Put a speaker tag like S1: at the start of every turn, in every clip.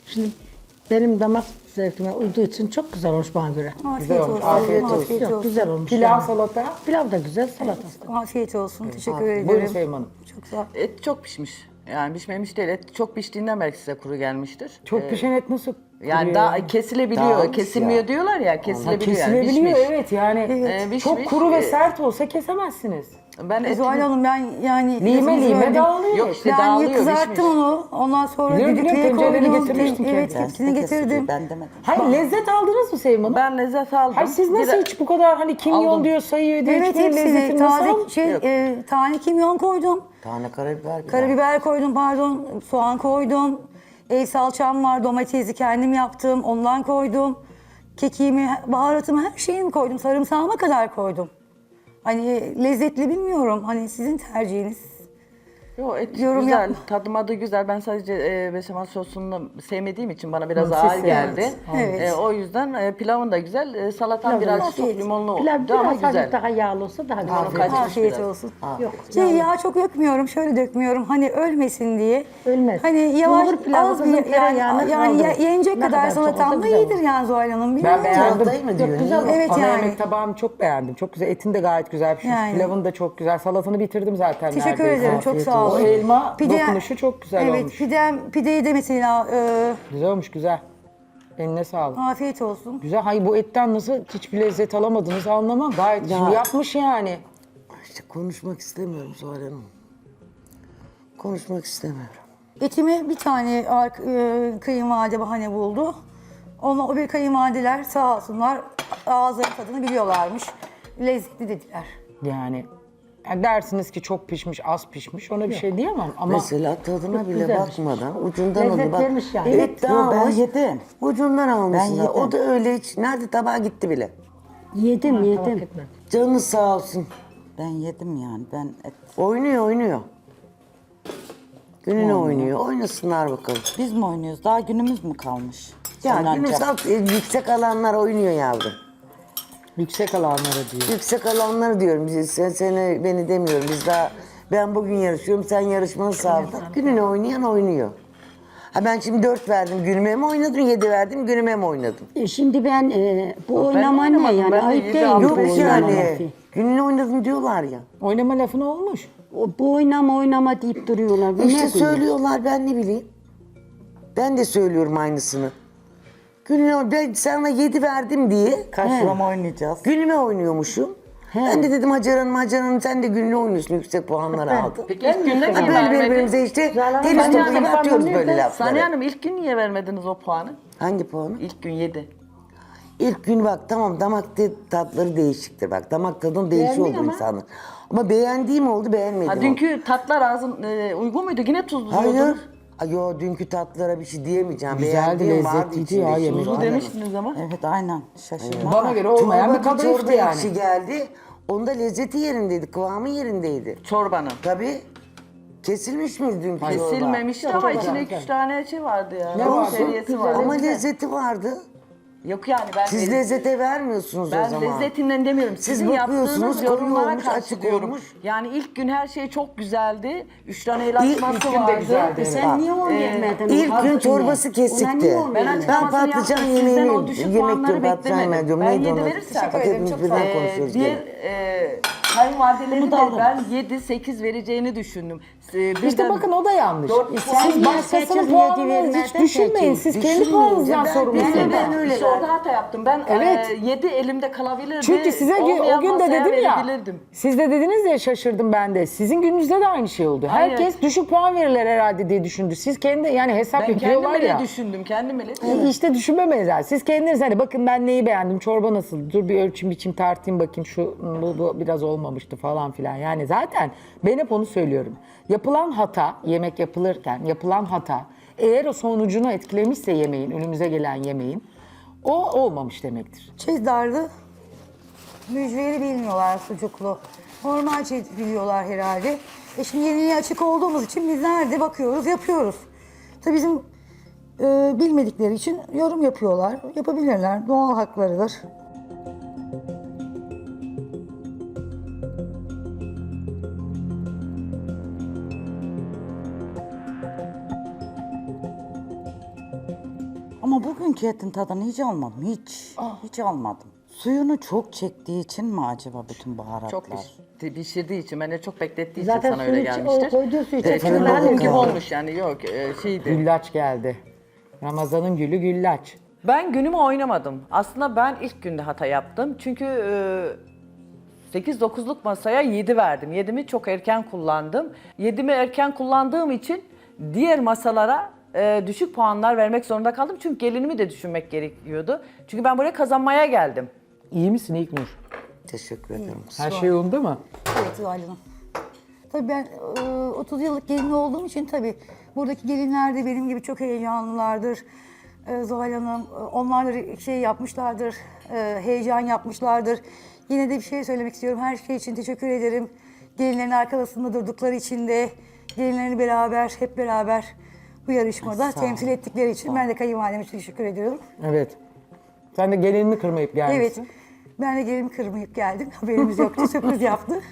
S1: Şimdi benim damak zevkime uyduğu için çok güzel olmuş bana göre.
S2: Afiyet olsun.
S3: Afiyet olsun.
S2: Afiyet
S1: Yok,
S2: olsun.
S1: güzel olmuş.
S3: Pilav,
S1: yani.
S3: salata.
S1: Pilav da güzel, salatası da.
S2: Afiyet olsun. Teşekkür
S3: Buyurun
S2: ederim.
S3: Sevim Hanım.
S2: Çok sağ ol.
S4: Et çok pişmiş. Yani pişmemiş değil. Et çok piştiğinden belki size kuru gelmiştir.
S3: Çok pişen et nasıl
S4: Yani
S3: kuruyor
S4: daha
S3: ya?
S4: kesilebiliyor.
S5: Dağılmış
S4: Kesilmiyor
S5: ya.
S4: diyorlar ya.
S3: Ha,
S4: Kesilebiliyor yani.
S3: kesilebiliyor
S4: Pişmiş.
S3: evet yani
S4: Pişmiş.
S3: çok kuru ve sert olsa kesemezsiniz.
S4: Ben eti
S2: Zuhal Hanım ben yani...
S3: Lime
S2: lafınızı
S3: lime
S2: böldüm.
S3: dağılıyor.
S4: Yok işte
S2: Ben
S4: dağılıyor,
S2: kızarttım
S4: pişmiş.
S2: onu. Ondan sonra
S3: Biliyorum,
S2: düdüklüye
S3: biliyorum, tencereni
S2: koydum.
S3: getirmiştin
S2: Evet,
S3: kendin.
S2: hepsini getirdim.
S5: Ben demedim.
S3: Hayır lezzet aldınız mı Sevim Hanım?
S4: Ben lezzet aldım.
S3: Hayır siz nasıl
S4: Bir de-
S3: hiç bu kadar hani kimyon
S4: Aldım.
S3: diyor sayıyor diyor
S2: Evet
S3: hiçbir
S2: hepsini
S3: lezzetini nasıl
S2: taze
S3: aldın?
S2: tane kimyon koydum.
S5: Tane karabiber.
S2: Karabiber koydum pardon. Soğan koydum. Salçam var. Domatesi kendim yaptım. Ondan koydum. Kekiğimi, baharatımı her şeyimi koydum. Sarımsağıma kadar koydum. Hani lezzetli bilmiyorum. Hani sizin tercihiniz.
S4: Yo, et
S2: Yorum
S4: güzel,
S2: yapma.
S4: tadı güzel. Ben sadece beşamel sosunu sevmediğim için bana biraz
S3: Hı,
S4: ağır
S3: siz
S4: geldi.
S2: Evet.
S4: O yüzden pilavın da güzel, salatan biraz çok
S2: afiyet.
S4: limonlu
S1: Pilav
S4: oldu ama
S1: biraz hafif
S4: güzel.
S1: daha yağlı olsa daha güzel.
S4: Afiyet olsun.
S2: Afiyet
S4: biraz.
S2: olsun.
S1: Yok,
S2: Yağ çok dökmüyorum, şöyle dökmüyorum. Hani ölmesin diye.
S1: Ölmez.
S2: Hani yavaş
S1: Bulgur pilavı
S2: az
S1: kızım
S2: bir
S1: tereyağını
S2: yani
S1: kaldırır.
S2: yenecek
S1: Ne
S2: kadar
S1: kadar çok olsa
S2: salatam da
S1: güzel
S2: iyidir
S1: olur.
S2: yani Zuhal Hanım.
S3: Ben
S2: Bilmiyorum.
S3: beğendim.
S5: Salatayı mı diyor?
S1: güzel
S5: Niye?
S2: Evet
S3: Ana
S2: yani.
S3: yemek tabağını çok beğendim. Çok güzel. Etin de gayet güzel pişmiş.
S2: Yani.
S3: Pilavın da çok güzel. Salatanı bitirdim zaten
S2: Teşekkür
S3: neredeyse.
S2: ederim, çok sağ
S3: O
S2: olun.
S3: elma dokunuşu çok güzel
S2: evet,
S3: olmuş.
S2: pideyi de mesela
S3: Güzel olmuş güzel. Eline sağlık.
S2: afiyet olsun.
S3: Güzel. Hayır bu etten nasıl hiçbir lezzet alamadınız anlamam. Gayet şimdi yapmış yani.
S5: İşte konuşmak istemiyorum Zuhal Hanım. Konuşmak istemiyorum.
S2: Etimi bir tane kayınvalide bahane buldu. O bir kayınvalideler sağ olsunlar ağızların tadını biliyorlarmış. Lezzetli dediler.
S3: Yani dersiniz ki çok pişmiş, az pişmiş. Ona bir şey diyemem ama
S5: Mesela tadına bile
S1: güzel
S5: bakmadan ucundan
S1: Lezzet
S5: aldı. Bak,
S1: vermiş yani.
S5: Evet daha
S6: ben
S5: hoş.
S6: yedim.
S5: Ucundan almışsın.
S6: Ben yedim.
S5: O da öyle hiç. Nerede tabağa gitti bile.
S6: Yedim
S1: Fark
S6: yedim.
S1: etmez.
S5: Canınız sağ olsun.
S6: Ben yedim yani. Ben et.
S5: Oynuyor. Gününe oynuyor. Oynasınlar bakalım.
S6: Biz mi oynuyoruz? Daha günümüz mü kalmış?
S5: Ya
S6: Oynanacak.
S5: günümüz yüksek alanlar oynuyor yavrum.
S3: yüksek alanlara diyor.
S5: Yüksek alanları diyorum. Seni beni demiyorum. Ben bugün yarışıyorum. Sen yarışmanı sağladın. Gününe oynayan oynuyor. Ha ben şimdi 4 verdim. Günüme mi oynadım? 7 verdim. Günüme mi oynadım?
S6: Şimdi ben bu oynama ne
S4: oynamadım,
S6: yani?
S4: ben de
S6: Ayıp
S4: yedi
S6: değil
S4: aldım.
S6: mi
S5: Yok
S6: bu oynama?
S5: yani. Gününe oynadım diyorlar ya.
S3: Oynama lafın olmuş.
S6: Bu oynama deyip duruyorlar. Bu
S5: İşte
S6: ne diyor?
S5: söylüyorlar ben ne bileyim. Ben de söylüyorum aynısını. Ben sana 7 verdim diye
S6: Karşılama oynayacağız.
S5: günüme oynuyormuşum. Ben de dedim Hacer Hanım sen de gününe oynuyorsun yüksek puanları aldın.
S4: Peki ilk günde
S5: Ha,
S4: niye
S5: böyle
S4: vermediniz?
S5: birbirimize işte
S1: Hanım,
S5: tenis
S1: Saniye
S5: topu gibi
S1: Hanım,
S5: atıyoruz
S1: nerede?
S5: böyle
S4: Saniye
S5: lafları.
S4: Hanım ilk gün niye vermediniz o puanı?
S5: Hangi puanı?
S4: İlk gün 7.
S5: İlk gün bak tamam tatları değişiktir bak. Damak tadın değişiyor oldu insanın. Ama beğendiğim oldu beğenmedim.
S4: Ha, dünkü tatlar ağzın uygun muydu? Yine tuzlu
S5: Hayır. Yo dünkü tatlılara bir şey diyemeyeceğim.
S3: Güzeldi,
S5: Beğendiğim vardı
S3: lezzetliydi
S5: içinde
S3: ya
S5: şimdi.
S3: yemek.
S4: Tuzlu demiştiniz ama.
S6: Evet aynen. Şaşırma.
S3: Bana göre olmayan bir
S5: Çorba
S3: kadayıftı
S5: çorba
S3: yani.
S5: ekşi geldi. Onda lezzeti yerindeydi, kıvamı yerindeydi.
S4: Çorbanın.
S5: Tabii. Kesilmiş miydi dünkü çorba?
S4: Kesilmemişti ama içinde 2-3 tane şey vardı ya.
S3: Ne vardı?
S4: Şeriyesi vardı.
S5: Ama lezzeti vardı.
S4: Yok yani ben
S5: Siz lezzete vermiyorsunuz o
S4: ben
S5: zaman.
S4: lezzetinden demiyorum.
S5: Siz
S4: Sizin
S5: bakıyorsunuz,
S4: yaptığınız
S5: koyu
S4: yorumlara
S5: olmuş, açık
S4: karşılıyorum.
S5: olmuş.
S4: Yani ilk gün her şey çok güzeldi. 3 tane el
S5: İlk
S4: açması
S3: gün de
S4: vardı.
S3: güzeldi, evet.
S6: Sen niye onu yemedin?
S5: İlk
S6: Hazır
S5: gün
S6: yine.
S5: çorbası
S6: Ona
S5: kesikti.
S6: niye onu
S4: Ben
S6: yemedin?
S4: açıklamasını
S5: patlıcan
S4: yaptım. Sizden
S5: yemeğini-
S4: o düşük
S5: yemek
S4: puanları
S5: diyorum, patlıcan
S4: beklemedim.
S5: yemeği
S4: Ben
S5: diyorum.
S4: 7
S5: Neydi onu?
S4: verirsem.
S5: Bak hepimiz
S2: çok
S5: birden
S2: sağ olun.
S5: konuşuyoruz.
S4: Diğer
S5: gene.
S4: kayınvalideleri de ben 7-8 vereceğini düşündüm.
S3: İşte bakın o da yanlış.
S4: Dört
S3: Siz
S4: puan
S6: niye
S3: başkasının
S6: seçim
S3: puanını
S6: yedi
S3: hiç
S6: vermedin
S3: düşünmeyin.
S6: peki?
S3: Siz kendi
S5: Düşünmeyin.
S3: puanınızdan
S5: Ben-
S3: sorumlusunuz.
S5: ben öyle
S4: İşte orada hata yaptım. Ben
S3: Evet.
S4: 7 elimde kalabilirdi.
S3: Çünkü size o
S4: olmayan
S3: gün de
S4: masaya
S3: dedim ya,
S4: verebilirdim.
S3: siz de dediniz ya şaşırdım ben de. Sizin gününüzde de aynı şey oldu.
S4: Hayır.
S3: Herkes düşük puan verirler herhalde diye düşündü. Siz kendi yani hesap
S4: Ben
S3: yapıyorlar
S4: kendim
S3: ya.
S4: bile düşündüm. Kendim bile.
S3: İşte düşünmemeyiz yani. Siz kendiniz hani bakın ben neyi beğendim, çorba nasıl, dur bir ölçüm biçim tartayım bakayım şu bu biraz olmamıştı falan filan. Yani zaten ben hep onu söylüyorum. Yapılan hata, yemek yapılırken yapılan hata eğer o sonucunu etkilemişse yemeğin, önümüze gelen yemeğin o olmamış demektir.
S2: Çizdarlı, mücveri bilmiyorlar sucuklu. Normal çiz biliyorlar herhalde. Şimdi yeniliğe açık olduğumuz için biz nerede bakıyoruz, yapıyoruz. Tabii bizim bilmedikleri için yorum yapıyorlar. Yapabilirler, doğal haklarıdır.
S6: Ama bugünkü etin tadını hiç almadım. Hiç almadım. Suyunu çok çektiği için mi acaba bütün baharatlar?
S4: Çok pişirdiği için, beni çok beklettiği için
S1: Zaten
S4: sana öyle
S1: suyun
S4: gelmiştir.
S1: koyduğu suyu
S4: Evet,
S1: çekti.
S4: fırında
S1: Ben
S4: gibi
S1: de-
S4: olmuş yani, yok şeydi.
S3: Güllaç geldi. Ramazan'ın gülü güllaç.
S7: Ben günümü oynamadım. Aslında ben ilk günde hata yaptım. Çünkü 8-9'luk masaya 7 verdim. 7'mi çok erken kullandım. 7'mi erken kullandığım için diğer masalara düşük puanlar vermek zorunda kaldım. Çünkü gelinimi de düşünmek gerekiyordu. Çünkü ben buraya kazanmaya geldim.
S3: İyi misin İlknur?
S5: Teşekkür ederim.
S3: Her şey yolunda mı?
S2: Evet Zuhal Hanım. Tabii ben 30 yıllık gelin olduğum için tabii buradaki gelinler de benim gibi çok heyecanlılardır. Zuhal Hanım, onlar da şey yapmışlardır, heyecan yapmışlardır. Yine de bir şey söylemek istiyorum. Her şey için teşekkür ederim. Gelinlerin arkasında durdukları için de, gelinlerini beraber, hep beraber bu yarışmada temsil ettikleri için ben de kayınvalideme teşekkür ediyorum.
S3: Evet. Sen de gelinini kırmayıp
S2: Evet,
S3: gelmişsin.
S2: ben de gelinimi kırmayıp geldim. Haberimiz yoktu, sürpriz yaptı.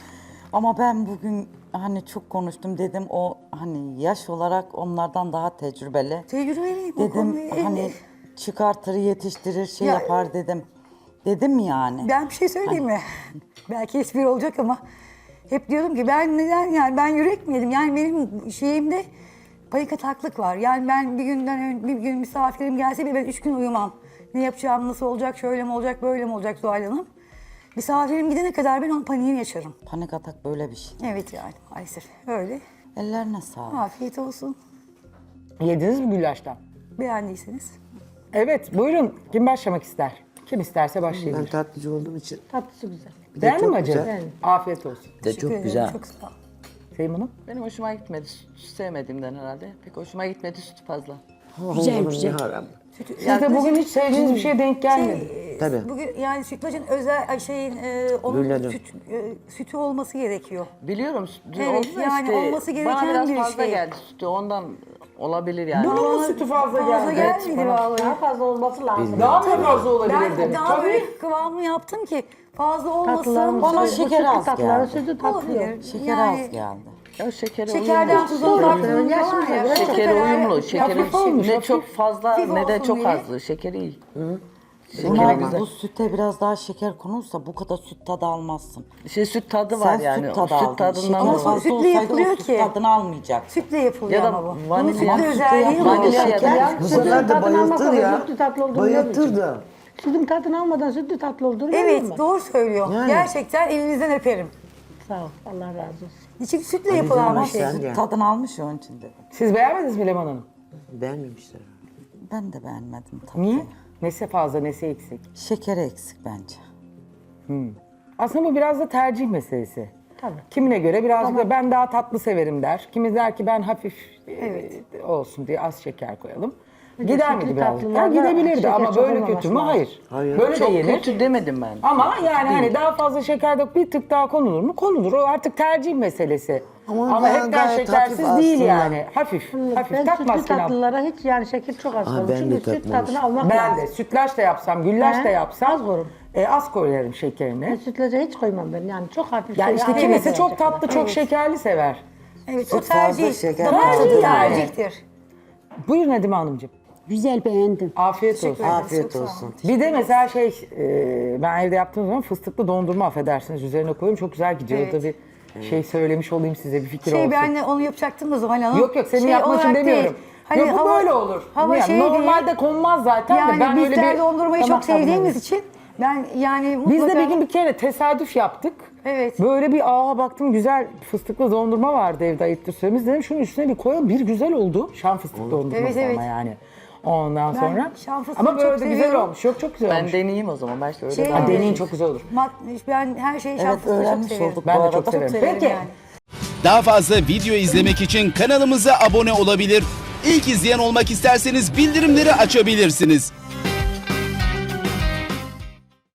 S6: Ama ben bugün hani çok konuştum dedim o hani yaş olarak onlardan daha tecrübeli.
S2: Tecrübeliyim o
S6: Dedim
S2: konuyu.
S6: hani çıkartır yetiştirir şey
S2: Ya-
S6: yapar dedim. Dedim yani.
S2: Ben bir şey söyleyeyim mi? Belki espri olacak ama hep diyordum ki ben neden yani ben yürek mi yedim? Yani benim şeyimde panik ataklık var. Yani ben bir gün misafirim gelse bile ben 3 gün uyumam. Ne yapacağım, nasıl olacak, şöyle mi olacak, böyle mi olacak Zuhal Hanım? Misafirim gidene kadar ben onun paniğini yaşarım.
S6: Panik atak böyle bir şey.
S2: Evet yani maalesef öyle.
S6: Ellerine sağlık.
S2: Afiyet olsun.
S3: Yediniz mi güllaçtan?
S2: Beğendiyseniz.
S3: Evet, buyurun. Kim başlamak ister? Kim isterse
S5: Ben
S3: başlayabilir.
S5: tatlıcı olduğum için.
S1: Tatlısı güzel.
S5: Bir de
S3: Beğendin
S5: çok
S3: mi acı?
S5: güzel.
S3: Afiyet olsun.
S5: Bir de
S2: Teşekkür
S5: çok
S2: ederim,
S5: güzel.
S2: Çok sağ ol.
S3: Seymun'um?
S4: Benim hoşuma gitmedi. Süt sevmediğimden herhalde. Pek hoşuma gitmedi, süt fazla.
S6: Güzel, güzel.
S3: Siz de bugün hiç sevdiğiniz bir şeye denk gelmedi.
S5: Tabii.
S2: Bugün yani sütlacın özel onun
S5: Güllaçın.
S2: sütü olması gerekiyor.
S4: Biliyorum,
S2: Evet,
S4: oldu da
S2: yani
S4: işte
S2: olması gereken
S4: bana biraz
S2: bir
S4: fazla
S2: şey.
S4: geldi sütü, ondan olabilir yani.
S3: Bunun mu sütü fazla
S2: Fazla
S3: geldi?
S2: gelmedi vallahi.
S1: Daha fazla olması lazım.
S3: Daha mı fazla olabilirdi?
S2: Ben daha böyle kıvamlı yaptım ki fazla olmasın.
S1: Tatlılarımız
S6: Bana
S1: bu
S6: şeker
S1: sütlü
S6: az
S1: tatlıları
S6: geldi.
S1: sütlü tatlı yok.
S2: Olabilir.
S6: Şeker
S2: Yani
S6: az geldi.
S4: Ya şekeri
S2: Şekerden
S4: uyumlu.
S2: tuza uzaklığında
S1: Yaşımıza
S2: var ya.
S1: göre
S4: Şekeri uyumlu. Şekeri
S3: hafif olmuş,
S4: ne
S3: hafif.
S4: çok fazla
S2: Hafif
S4: ne de
S2: olsun
S4: çok
S2: diye.
S4: azdı. Şekeri iyi.
S6: Buna
S4: güzel.
S6: bu süte biraz daha şeker konulsa bu kadar süt tadı almazsın.
S4: Süt tadı var
S6: Sen
S4: yani.
S6: süt
S4: O
S6: tadı
S4: süt
S6: aldın.
S4: tadından
S6: Şeker
S2: Ama
S4: dolayı.
S6: fazla
S2: sütle
S6: olsaydı
S2: yapılıyor
S6: o süt
S2: ki.
S6: tadını almayacaksın.
S2: Sütle yapılıyor
S4: Ya da
S2: ama bu. Bunun
S4: vanilya-
S2: sütlü
S4: Ama
S2: özelliği bu.
S4: vanilya ya da-
S5: Şeker bu
S1: Sütün
S5: sefer de
S1: tadını almak
S5: bayıltır
S1: lazım,
S5: ya.
S1: sütlü tatlı olduğunu
S5: Bayıltır
S1: bilemeyeceğim.
S5: da.
S1: Sütün tadını almadan sütlü tatlı olduğunu
S2: Evet
S1: bilemem.
S2: doğru söylüyor.
S5: Yani.
S2: Gerçekten elinizden öperim.
S1: Sağ ol. Allah razı olsun.
S2: Çünkü sütle yapılan bir şey.
S5: Sen de.
S6: Tadını almış ya onun için dedim.
S3: Siz beğenmediniz mi Leman Hanım?
S5: Beğenmemişler.
S6: Ben de beğenmedim tatlıyı.
S3: Niye? Nesi fazla, nesi eksik?
S6: Şekeri eksik bence.
S3: Aslında bu biraz da tercih meselesi.
S1: Tabii.
S3: Kimine göre biraz da ben daha tatlı severim der. Kimi der ki ben hafif olsun diye az şeker koyalım. Gider miydi
S1: sütlü
S3: biraz?
S1: tatlılarda
S3: Gidebilirdi
S1: şeker
S3: ama
S1: çok
S3: böyle
S1: olmaması
S3: kötü mü?
S1: lazım.
S3: Hayır.
S5: Hayır.
S3: Böyle de
S4: Çok
S3: yenir.
S4: kötü demedim ben.
S3: Ama yani hani daha fazla şeker de bir tık daha konulur mu? Konulur. O artık tercih meselesi.
S5: Ama
S3: Ama
S5: ben
S3: hepten
S5: gayet
S3: şekersiz
S5: hafif
S3: değil
S5: aslında.
S3: yani. Hafif. Hafif.
S1: Ben
S3: Takmaz
S1: sütlü
S3: ki
S1: tatlılara hiç yani şeker çok az koyuyorum.
S5: ben de
S1: Çünkü süt
S5: takmamış.
S1: tadını almak
S3: Ben
S1: lazım.
S3: de sütlaç da yapsam, güllaç da
S1: He,
S3: yapsam
S1: az koyarım.
S3: az koyarım
S1: Ben
S3: şekerini.
S1: sütlaca hiç koymam ben. Yani çok hafif.
S3: Yani işte
S1: az
S3: kimisi
S1: şeker
S3: çok
S1: şeker.
S3: tatlı, çok şekerli sever.
S2: Evet o
S5: Süt fazla
S2: tercih.
S5: şeker
S2: Damak
S3: fazla
S2: tadı
S3: yani.
S2: tercihtir.
S3: Buyurun Nedime Hanımcığım.
S6: Güzel beğendim.
S3: Afiyet olsun.
S5: Afiyet
S2: Çok sağ
S5: olsun.
S3: Bir de mesela ben evde yaptığım zaman fıstıklı dondurma affedersiniz üzerine koyuyorum. Çok güzel gidiyor.
S2: Evet.
S3: O da bir şey söylemiş olayım size bir fikir
S2: Şey
S3: olsun.
S2: ben de onu yapacaktım da Zuhal Hanım.
S3: Yok yok senin
S2: Şey
S3: yapmak için
S2: olarak
S3: demiyorum.
S2: değil. Hani
S3: yok bu böyle olur.
S2: Hava
S3: Yani
S2: şey
S3: normalde
S2: değil.
S3: konmaz zaten de
S2: Yani
S3: ben öyle
S2: bizler
S3: bir
S2: dondurmayı
S3: damak
S2: çok sevdiğimiz
S3: tadına-
S2: için ben yani
S3: Biz
S2: mutlaka...
S3: de bir gün bir kere tesadüf yaptık.
S2: Evet.
S3: Böyle bir baktım güzel fıstıklı dondurma vardı evde ayıptır söylememiz. Dedim şunun üstüne bir koyalım. Bir güzel oldu. Şan fıstıklı dondurması
S2: Evet, evet.
S3: ama yani. Ondan
S2: Ben
S3: sonra.
S2: şan fıstığı
S3: Ama böyle
S2: çok
S3: de güzel
S2: seviyorum.
S3: olmuş. Yok çok güzel
S4: Ben
S3: olmuş.
S4: deneyeyim o zaman. Belki öyle
S2: Şey-
S4: daha.
S3: Deneyin çok güzel olur.
S2: Ben her şeyi
S6: Evet
S2: şanfısını çok
S6: öğrenmiş
S2: severim.
S6: olduk
S3: Ben
S6: bu
S3: de
S6: arada.
S3: çok severim.
S2: Severim
S3: Peki.
S2: yani.
S8: Daha fazla video izlemek için kanalımıza abone olabilir. İlk izleyen olmak isterseniz bildirimleri açabilirsiniz.